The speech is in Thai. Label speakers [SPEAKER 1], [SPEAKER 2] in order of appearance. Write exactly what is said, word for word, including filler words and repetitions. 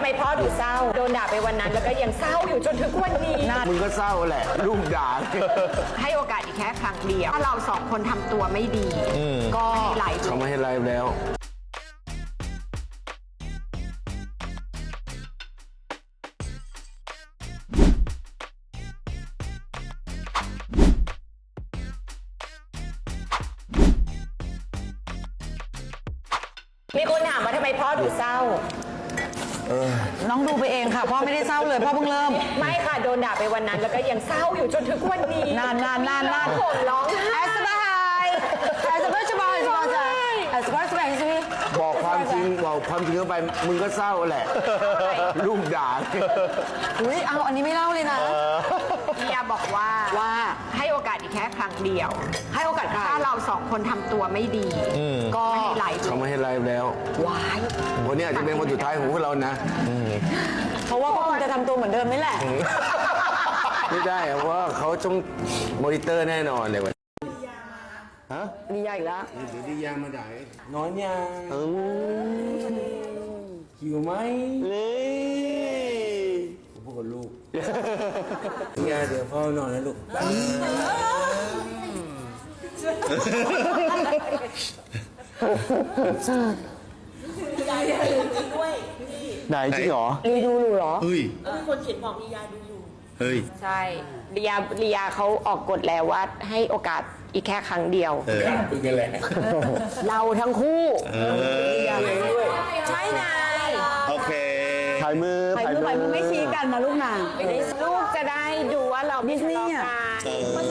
[SPEAKER 1] พ่อดูเศร้าโดนด่าไปวันนั้นแล้วก็ยังเศร้าอยู่จนถึงวันนี้
[SPEAKER 2] มึงก็เศร้าแหละลูกด่า
[SPEAKER 1] ให้โอกาสอีกแค่ครั้งเดียวถ้าเราสองคนทำตัวไม่ดีก็ไหล
[SPEAKER 2] เขาไม่ให้ไลฟ์แล้ว
[SPEAKER 1] มีคนถามว่าทำไมพ่อดูเศร้า
[SPEAKER 3] น้องดูไปเองค่ะพ่อไม่ได้เศร้าเลยพ่อเพิ่งเริ่ม
[SPEAKER 1] ไม่ค่ะโดนด่าไปวันนั้นแล้วก็ยังเศร้าอยู่จนถึงวันนี้
[SPEAKER 3] นานนานนานนาน
[SPEAKER 1] ผมร้องไห้
[SPEAKER 3] แอสบายแอสบายสบายสบายใจแอสบายสบายสิ
[SPEAKER 2] บอกความจริงบอกความจริงเข้าไปมึงก็เศร้าแหละลูกด่า
[SPEAKER 3] อุ้ยเอาอันนี้ไม่เล่าเลยนะ
[SPEAKER 1] เฮียบอกว่า
[SPEAKER 3] ว่า
[SPEAKER 1] ให้โอกาสอีกแค่ครั้งเดียว
[SPEAKER 3] ให้โอกาสใคร
[SPEAKER 1] ถ้าเราสองคนทำตัวไม่ดีก็ไม่ให้ไหล
[SPEAKER 2] เขาไม่ให้ไลฟ์แล้ว
[SPEAKER 3] วาย
[SPEAKER 2] วันนี้อาจจะเป็นวันสุดท้ายของพวกเรานะ
[SPEAKER 3] เพราะว่าก็คงจะทำตัวเหมือนเดิมนี่แหละ
[SPEAKER 2] ไม่ได้เพราะว่าเขาต้องมอนิเตอร์แน่นอนเลยวันฮะ
[SPEAKER 3] ดีใหญ่อีกแล้ว
[SPEAKER 2] เดี๋ยวดียามาด่าน้อยยังหิวไหมเลยผมพูดกับลูกดียาเดี๋ยวพ่อนอนนะลูกไหนจริงเหรอ
[SPEAKER 3] รีดูอยู่เหรอ
[SPEAKER 2] เฮ้ย
[SPEAKER 4] มีคนเขียนบอกลียาดูอยู่
[SPEAKER 2] เฮ้ย
[SPEAKER 1] ใช่เรียเรียเขาออกกฎแล้วว่าให้โอกาสอีกแค่ครั้งเดียว
[SPEAKER 2] เออพูดกันแหละ
[SPEAKER 1] เราทั้งคู่
[SPEAKER 2] เออ
[SPEAKER 1] ใช่นาย
[SPEAKER 2] โอเคถ่ายมือ
[SPEAKER 3] ไปมือไปมือไม่ชี้กันนะลูกนาง
[SPEAKER 1] ลูกจะได้ดูว่าเรา
[SPEAKER 3] ดิสนีย์อะ
[SPEAKER 1] ทะเลาะกัน